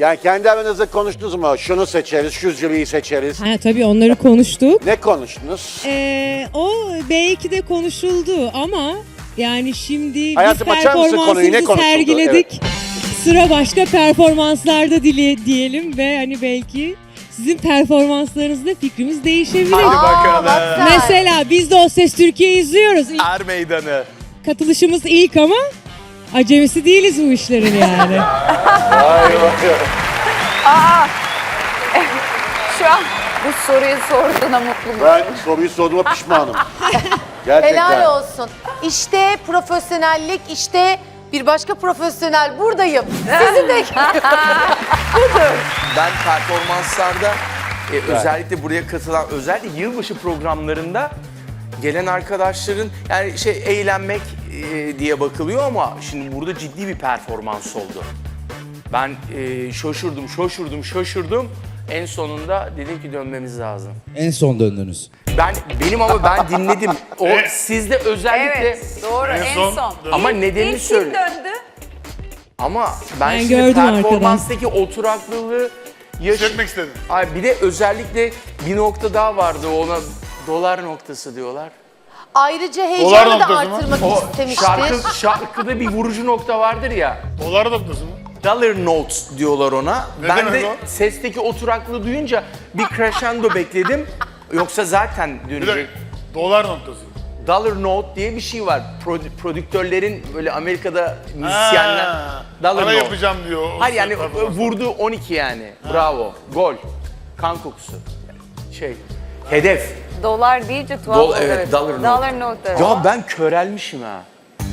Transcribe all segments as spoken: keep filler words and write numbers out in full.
Yani kendi aranızda konuştunuz mu? Şunu seçeriz, şu jüriyi seçeriz. Ha, tabii onları konuştuk. Ne konuştunuz? Ee, o belki de konuşuldu ama yani şimdi Hayatım, biz açar mısın konuyu? Ne performansımızı konuşuldu? sergiledik. Sıra başka performanslarda dili diyelim ve hani belki sizin performanslarınızda fikrimiz değişebilir. Hadi bakalım. Mesela biz de O Ses Türkiye izliyoruz. İlk Er meydanı. katılışımız ilk ama acemisi değiliz bu işlerin yani. Şu an bu soruyu sorduğuna mutlu musun? Ben soruyu sorduğuma pişmanım. Gerçekten. Helal olsun. İşte profesyonellik, işte bir başka profesyonel buradayım. Sizi bekliyorum. Ben performanslarda e, özellikle buraya katılan, özellikle yılbaşı programlarında gelen arkadaşların yani şey eğlenmek e, diye bakılıyor ama şimdi burada ciddi bir performans oldu. Ben e, şaşırdım, şaşırdım, şaşırdım. En sonunda dedim ki dönmemiz lazım. En son döndünüz. Ben benim ama ben dinledim. O sizde özellikle Evet, doğru en son. ama İlk- nedenini ilk kim söyle. döndü? Ama ben, Ben şimdi gördüm arkadan. performanstaki oturaklılığı yaş- Hissetmek istedim. Ay bir de özellikle bir nokta daha vardı, ona dolar noktası diyorlar. Ayrıca Dolar heyecanı da noktası mı? artırmak O istemiştir. şarkı, şarkıda bir vurucu nokta vardır ya. Dolar noktası mı? Dollar notes diyorlar ona. Ne ben demek de o? sesteki oturaklığı duyunca bir crescendo bekledim. Yoksa zaten Bir dönecek. dakika. Dolar noktası. Dollar note diye bir şey var. Prod- prodüktörlerin böyle Amerika'da müzisyenler Ha, dollar Para note. yapacağım diyor. o Hayır yani performans. vurdu on iki yani. Bravo. Gol. Kan kokusu. Şey. Hedef. Dolar deyince tuhaf Dol- oldu. evet, dollar note. Dollar note. Ya ben körelmişim ha.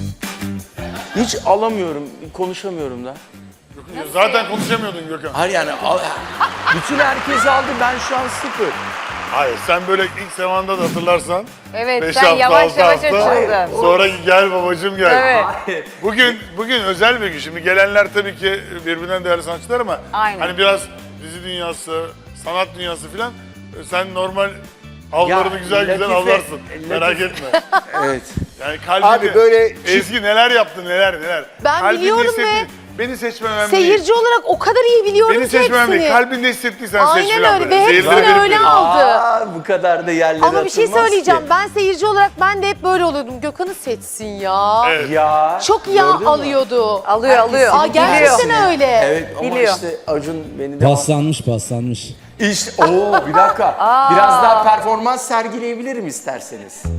Hiç alamıyorum, konuşamıyorum da. Zaten konuşamıyordun Gökhan. Hayır yani al- bütün herkes aldı, ben şu an sıfır. Hayır, sen böyle ilk zamanda da hatırlarsan. Evet, beş sen hafta, yavaş altı yavaş hafta, açıldın. Sonra gel babacığım gel. Evet. Bugün bugün özel bir gün. Şimdi gelenler tabii ki birbirinden değerli sanatçılar ama Aynen. hani biraz dizi dünyası, sanat dünyası filan sen normal avlarını Ya, güzel güzel Latife- avlarsın. Latife- Merak etme. Evet. Yani kalbinde, Abi böyle Ezgi neler yaptı neler neler. Ben Kalbinde biliyorum hissettiğin- ve Beni seçmem önemli değil. Seyirci olarak o kadar iyi biliyorum Beni ki seçmem hepsini. değil. Kalbinde hissettiysen seç Aynen filan öyle böyle. ve Zehirleri hepsini verip öyle verip. aldı. Aa, bu kadar da yerlere Ama bir şey atılmaz söyleyeceğim. ki. Ben seyirci olarak ben de hep böyle oluyordum. Gökhan'ı seçsin ya. Evet. Ya. Çok yağ gördün mü? alıyordu. Alıyor, alıyor. Aa, gerçekten öyle. Evet ama Biliyor. işte Acun beni de... Paslanmış paslanmış. İşte, oo bir dakika. Biraz daha performans sergileyebilirim isterseniz.